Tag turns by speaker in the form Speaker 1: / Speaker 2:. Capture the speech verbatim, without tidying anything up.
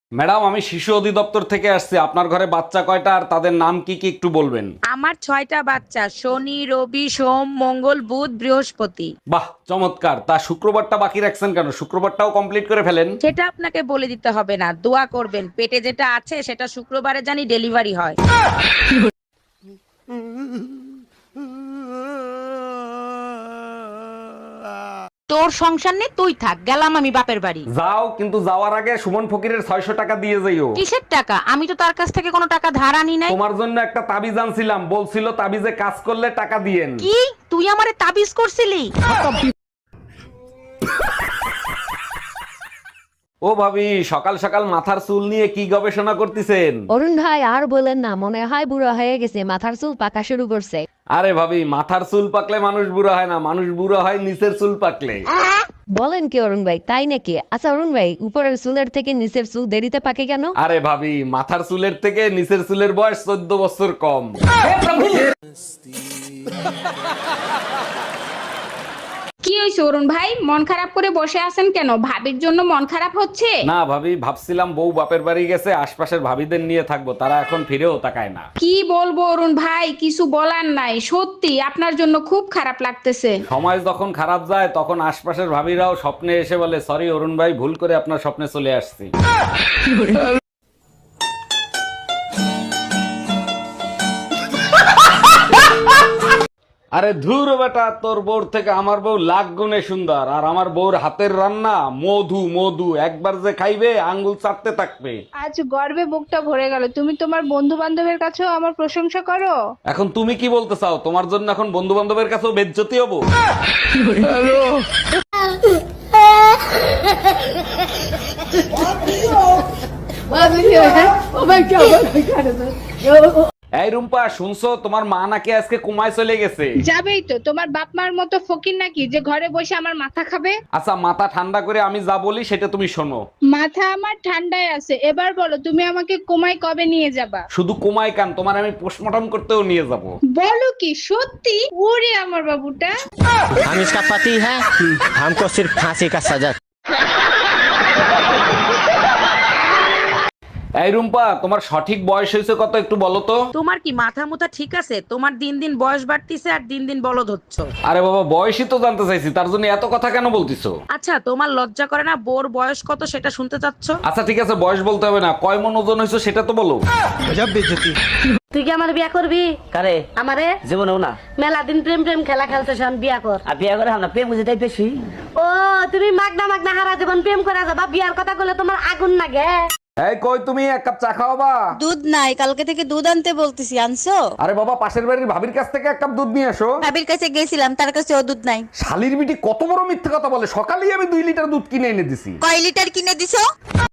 Speaker 1: Madam, আমি শিশু অধিদপ্তর থেকে আসছি। আপনার ঘরে বাচ্চা কয়টা আর তাদের নাম কি কি একটু বলবেন?
Speaker 2: আমার ছয়টা বাচ্চা, শনি রবি সোম মঙ্গল বুধ বৃহস্পতি।
Speaker 1: বাহ, চমৎকার। তা শুক্রবারটা বাকি রাখছেন কেন? শুক্রবারটাও কমপ্লিট করে ফেলেন।
Speaker 2: সেটা আপনাকে বলে দিতে হবে না, দোয়া করবেন পেটে যেটা আছে সেটা শুক্রবারে জানি ডেলিভারি হয়। তোর সংসার নেই, তুই থাক, গেলাম আমি বাপের বাড়ি।
Speaker 1: যাও, কিন্তু যাওয়ার আগে সুমন ফকিরের ছয়শো টাকা দিয়ে যাইও।
Speaker 2: কিসের টাকা? আমি তো তার কাছ থেকে কোনো টাকা ধার আনি নাই।
Speaker 1: তোমার জন্য একটা তাবিজ আনছিলাম, বলছিল তাবিজে কাজ করলে টাকা দিয়েন।
Speaker 2: কি তুই আমারে তাবিজ করছিলি?
Speaker 1: ও ভাবি, সকাল সকাল মাথার চুল নিয়ে কি গবেষণা করতেছেন?
Speaker 3: অরুণ ভাই আর বলেন না, মনে হয় বুড়ো হয়ে গেছে, মাথার চুল পাকা শুরু করছে।
Speaker 1: আরে ভাবি, মাথার চুল পাকলে মানুষ বুড়ো হয় না, মানুষ বুড়ো হয় নিচের চুল পাকলে।
Speaker 3: বলেন কি অরুণ ভাই, তাই নাকি? আচ্ছা অরুণ ভাই, উপরের চুলের থেকে নিচের চুল দেরিতে পাকে কেন?
Speaker 1: আরে ভাবি, মাথার চুলের থেকে নিচের চুলের বয়স চোদ্দ বছর কম।
Speaker 4: কি হয়েছে অরুণ ভাই, মন খারাপ করে বসে আছেন কেন? ভাবির জন্য মন খারাপ হচ্ছে?
Speaker 1: না ভাবি, ভাবছিলাম বউ বাপের বাড়ি গেছে, আশপাশের ভাবিদের নিয়ে থাকবো, তারা এখন ফিরেও তাকায় না।
Speaker 4: কি বলবো অরুণ ভাই, কিছু বলার নাই, সত্যি আপনার জন্য খুব খারাপ লাগতেছে।
Speaker 1: সময় যখন খারাপ যায় তখন আশপাশের ভাবিরাও স্বপ্নে এসে বলে, সরি অরুণ ভাই, ভুল করে আপনার স্বপ্নে চলে আসছি। আরে ধুর বেটা, তোর বউর থেকে আমার বউ লাখ গুণে সুন্দর, আর আমার বউর হাতের রান্না মধু মধু, একবার যে খাইবে আঙ্গুল চাটতে থাকবে।
Speaker 5: আজ গর্বে বুকটা ভরে গেল। তুমি তোমার বন্ধু বান্ধবের কাছেও আমার প্রশংসা করো।
Speaker 1: এখন তুমি কি বলতে চাও? তোমার জন্য এখন বন্ধু বান্ধবের কাছেও বেজ্জতি হবো? এই রুম্পা, শুনছো তোমার মা নাকি আজকে কুমায় চলে গেছে?
Speaker 5: যাবেই তো, তোমার বাপ মার মতো ফকির নাকি যে ঘরে বসে আমার মাথা খাবে?
Speaker 1: আচ্ছা, মাথা ঠান্ডা করে আমি যা বলি সেটা তুমি শোনো।
Speaker 5: মাথা আমার ঠান্ডায় আছে। এবার বলো, তুমি আমাকে কোমায় কবে নিয়ে যাবা?
Speaker 1: শুধু কুমায় কান, তোমার আমি পোস্টমর্টম করতেও নিয়ে যাব।
Speaker 5: বলো কি সত্যি? ওরে আমার বাবুটা।
Speaker 6: हम इसका पति है, हमको सिर्फ फांसी का सजा।
Speaker 1: এই রুম্পা, তোমার সঠিক বয়স হয়েছে কত একটু বলো তো?
Speaker 2: তোমার কি মাথা মুথা ঠিক আছে? তোমার দিন দিন বয়স বাড়তিছে আর দিন দিন বলদ হচ্ছ।
Speaker 1: আরে বাবা, বয়সই তো জানতে চাইছি, তার জন্য এত কথা কেন বলতিছো?
Speaker 2: আচ্ছা, তোমার লজ্জা করে না বোর বয়স কত সেটা শুনতে চাচ্ছ?
Speaker 1: আচ্ছা ঠিক আছে, বয়স বলতে হবে না, কয় মন ওজন হয়েছে সেটা তো বলো।
Speaker 7: তুই কি আমার বিয়া করবি?
Speaker 6: करे
Speaker 7: আমারে
Speaker 6: জীবনেও না।
Speaker 7: মেলা দিন প্রেম প্রেম খেলা খেলতেছ, আমি বিয়া কর।
Speaker 6: আর বিয়ে করে আমরা প্রেম বুঝে বেশি।
Speaker 7: ও তুমি মাগনা মাগনা হারা জীবন প্রেম করে যাবা, বিয়ার কথা বলে তোমার আগুন লাগে?
Speaker 1: এই কই, তুমি এক কাপ চা খাওয়াবা?
Speaker 8: দুধ নাই, কালকে থেকে দুধ আনতে বলতেছি, আনছো?
Speaker 1: আরে বাবা, পাশের বাড়ির ভাবির কাছ থেকে এক কাপ দুধ নিয়ে এসো।
Speaker 8: ভাবির কাছে গেছিলাম, তার কাছে ও দুধ নাই।
Speaker 1: শালির বিটি কত বড় মিথ্যে কথা বলে, সকালেই আমি দুই লিটার দুধ কিনে এনে দিছি।
Speaker 8: কয় লিটার কিনে দিছো?